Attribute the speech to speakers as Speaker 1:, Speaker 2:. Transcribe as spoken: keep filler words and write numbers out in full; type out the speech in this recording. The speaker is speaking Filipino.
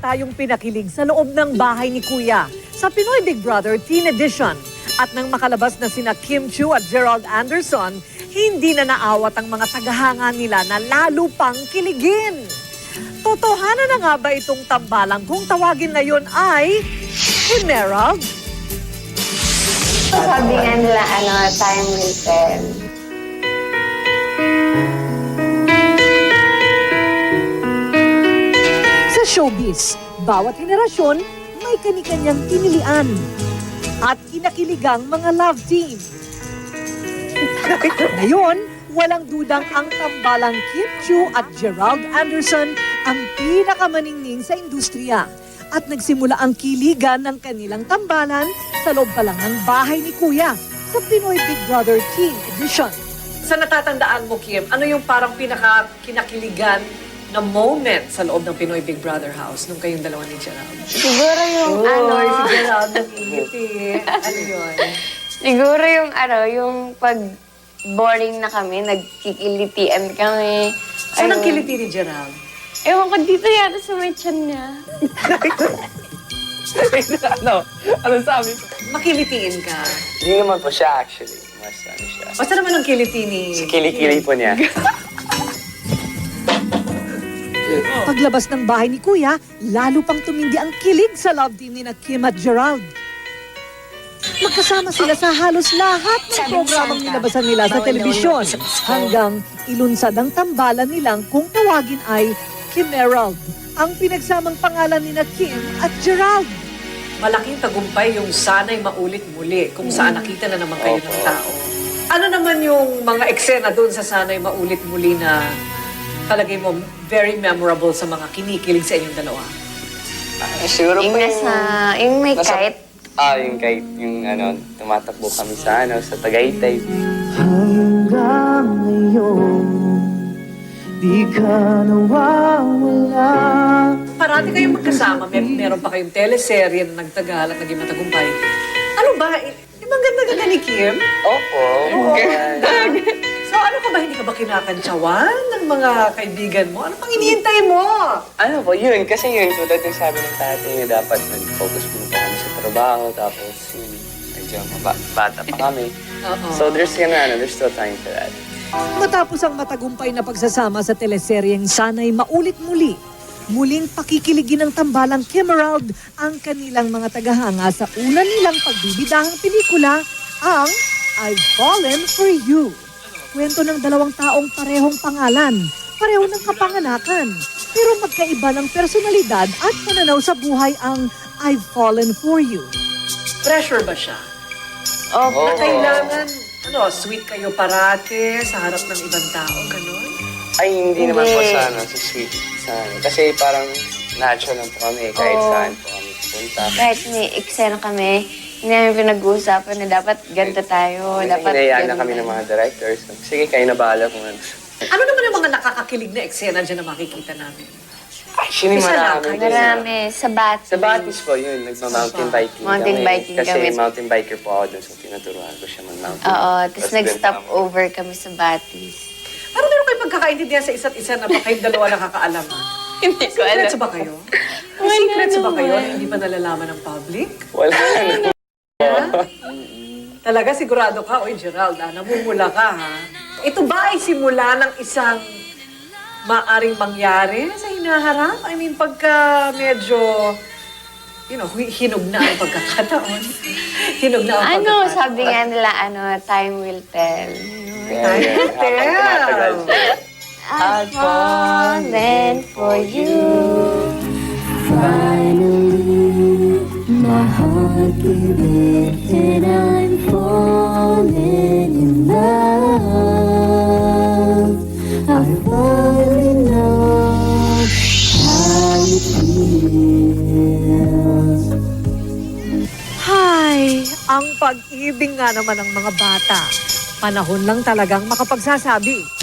Speaker 1: tayong pinakilig sa loob ng bahay ni Kuya sa Pinoy Big Brother Teen Edition. At nang makalabas na sina Kim Chiu at Gerald Anderson, hindi na naawat ang mga tagahanga nila na lalo pang kiligin. Totohanan na nga ba itong tambalang kung tawagin ngayon ay Emerald?
Speaker 2: Sabi nga nila, ano, time will tell.
Speaker 1: Sa showbiz, bawat henerasyon may kani-kanyang pinilian at kinakiligang mga love team. Ngayon, walang dudang ang tambalang Kim Chiu at Gerald Anderson ang pinakamaningning sa industriya. At nagsimula ang kiligan ng kanilang tambalan sa loob pa lang ng bahay ni Kuya sa Pinoy Big Brother Teen Edition. Sa natatandaan mo, Kim, ano yung parang pinaka-kinakiligan na moment sa loob ng Pinoy Big Brother house nung kayong dalawa ni Gerald?
Speaker 2: Siguro yung, ano,
Speaker 1: si Gerald nag-ingiti. Ano yun?
Speaker 2: siguro yung, ano, yung pag boring na kami, nagkikilitian kami.
Speaker 1: Saan ang
Speaker 2: Ayun.
Speaker 1: kiliti ni Gerald?
Speaker 2: Ewan ko, dito yata sa may tiyan niya.
Speaker 3: ano? Ano sabi ko?
Speaker 1: Makilitiin ka.
Speaker 3: Hindi naman po siya actually. Mas ano siya.
Speaker 1: Basta naman ang kiliti ni...
Speaker 3: Si Kili-Kili po niya.
Speaker 1: Paglabas ng bahay ni Kuya, lalo pang tumindi ang kilig sa love team ni na Kim at Gerald. Magkasama sila sa halos lahat ng programang nilabasan nila sa telebisyon hanggang ilunsad ang tambalan nilang kung tawagin ay Kimerald, ang pinagsamang pangalan ni na Kim at Gerald. Malaking tagumpay yung sana'y maulit muli kung saan nakita na naman kayo ng tao. Ano naman yung mga eksena doon sa sana'y maulit muli na talagay mo very memorable sa mga kinikilig sa inyong dalawa?
Speaker 3: Ah, siguro
Speaker 2: Yung
Speaker 3: po
Speaker 2: nasa, yung may
Speaker 3: nasa-
Speaker 2: kite.
Speaker 3: Ah, yung kite. Yung ano, tumatakbo kami sa ano, sa Tagaytay.
Speaker 4: Hanggang ngayon, di ka nawawala.
Speaker 1: Parati kayong magkasama, may, meron pa kayong teleserye na nagtagal at naging matagumpay. Ano ba? Ibang ganda-ganda ni Kim?
Speaker 3: Opo.
Speaker 1: So ano ka ba, hindi ka ba kinakantsawan ng mga kaibigan mo? Ano pang hinihintay mo?
Speaker 3: Ano po, yun. Kasi yun, tulad yung sabi ng tatay niya, dapat nag-focus muna pa kami sa trabaho. Tapos, yun, medyo maba- bata pa kami.
Speaker 1: Oo.
Speaker 3: So, there's, ano, there's still time for that.
Speaker 1: Matapos ang matagumpay na pagsasama sa teleseryeng Sana'y Maulit Muli, muling pakikiligin ng tambalang Kimerald ang kanilang mga tagahanga sa una nilang pagbibidahang pelikula, ang I've Fallen for You. Kwento ng dalawang taong parehong pangalan, pareho ng kapanganakan, pero magkaiba ng personalidad at pananaw sa buhay ang I've Fallen for You. Pressure ba siya?
Speaker 2: Opo.
Speaker 1: Na kailangan, ano, sweet kayo parate sa harap ng ibang tao, gano'n?
Speaker 3: Ay, hindi naman po
Speaker 2: Hindi.
Speaker 3: sa, ano, sa sweet. Sa, ano. Kasi parang natural lang po kami. Kahit
Speaker 2: Oo.
Speaker 3: saan po kami pupunta.
Speaker 2: Kahit may eksena kami, hindi namin pinag-uusapan na dapat ganito tayo.
Speaker 3: Kasi
Speaker 2: Dapat
Speaker 3: hinayaan na
Speaker 2: ganun
Speaker 3: kami ng
Speaker 2: tayo.
Speaker 3: mga directors. Sige, kayo na bahala kung ano.
Speaker 1: Ano naman yung mga nakakakilig na eksena dyan na makikita namin?
Speaker 3: Actually,
Speaker 1: Isa lang,
Speaker 3: marami.
Speaker 2: Marami. Sa Batis.
Speaker 3: Sa Batis po, yun. Nagma-mountain biking
Speaker 2: Mountain
Speaker 3: kami.
Speaker 2: biking
Speaker 3: Kasi
Speaker 2: kami.
Speaker 3: mountain biker po ako dun. So, tinuturuan ko siya mag-mountain.
Speaker 2: Oo. Tapos
Speaker 3: Tapos
Speaker 2: nag-stop
Speaker 3: dun, um,
Speaker 2: over kami sa Batis.
Speaker 1: Parang meron kayo pagkakaintindihan sa isa't isa na ba kayong dalawa nakakaalam?
Speaker 2: Hindi ko
Speaker 1: Secrets ba kayo? May
Speaker 2: Wala
Speaker 1: secrets ba kayo na
Speaker 2: naman.
Speaker 1: hindi pa nalalaman ng public?
Speaker 3: Wala na.
Speaker 1: Talaga sigurado ka, oy Gerald, ah, namumula ka ha? Ito ba ay simula ng isang maaring mangyari sa hinaharap? I mean, pagka medyo, you know, hi- hinog na ang pagkakataon. Hinog na ang
Speaker 2: Ano,
Speaker 1: pagkakataon.
Speaker 2: sabi nga nila, ano, time will tell.
Speaker 3: Yeah, yeah. Habang tumatagal siya.
Speaker 2: I've fallen for you.
Speaker 4: Finally, my heart gave it, and I'm falling in love. I finally know how it feels.
Speaker 1: Hay, ang pag-ibig nga naman ng mga bata. Panahon lang talagang makapagsasabi